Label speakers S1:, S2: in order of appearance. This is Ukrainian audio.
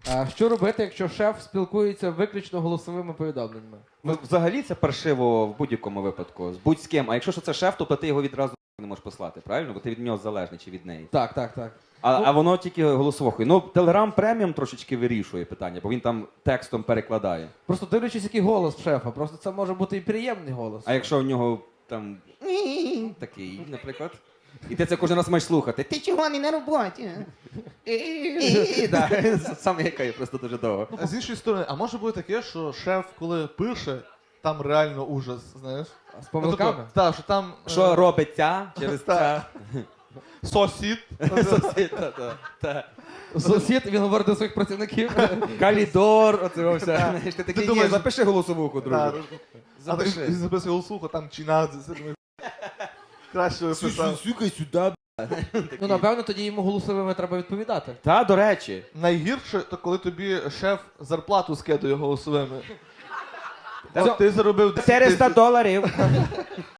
S1: А що робити, якщо шеф спілкується виключно голосовими повідомленнями?
S2: Ну, взагалі це паршиво в будь-якому випадку, з будь-з ким. А якщо що це шеф, то ти його відразу не можеш послати, правильно? Бо ти від нього залежний чи від неї.
S1: Так, так, так.
S2: А воно тільки голосовухою. Ну, Telegram Premium трошечки вирішує питання, бо він там текстом перекладає.
S1: Просто дивлячись, який голос шефа. Просто це може бути і приємний голос.
S2: А якщо в нього там такий, наприклад, і ти це кожен раз маєш слухати. Ти чого не на роботі? Саме яка просто дуже довго.
S3: А з іншої сторони, а може бути таке, що шеф, коли пише, там реально ужас, знаєш?
S1: З помилками?
S3: Так, що там
S2: Що робиться через це?
S3: сосід.
S2: Сусід, та.
S1: Сусід, він говорить до своїх працівників.
S2: Калідор, оце все. Знаєш, ти такий, ні,
S3: думаєш-
S2: запиши голосовуху,
S3: Так.
S2: друже.
S3: А ти
S2: Запиши.
S3: записує голосуху, там чинадзе. Краще виписав.
S2: Сюкай сюди.
S1: Ну, напевно, тоді йому голосовими треба відповідати.
S2: Та, до речі.
S3: Найгірше, то коли тобі шеф зарплату скидує голосовими.
S2: Та-
S3: От ти заробив 10
S2: $400.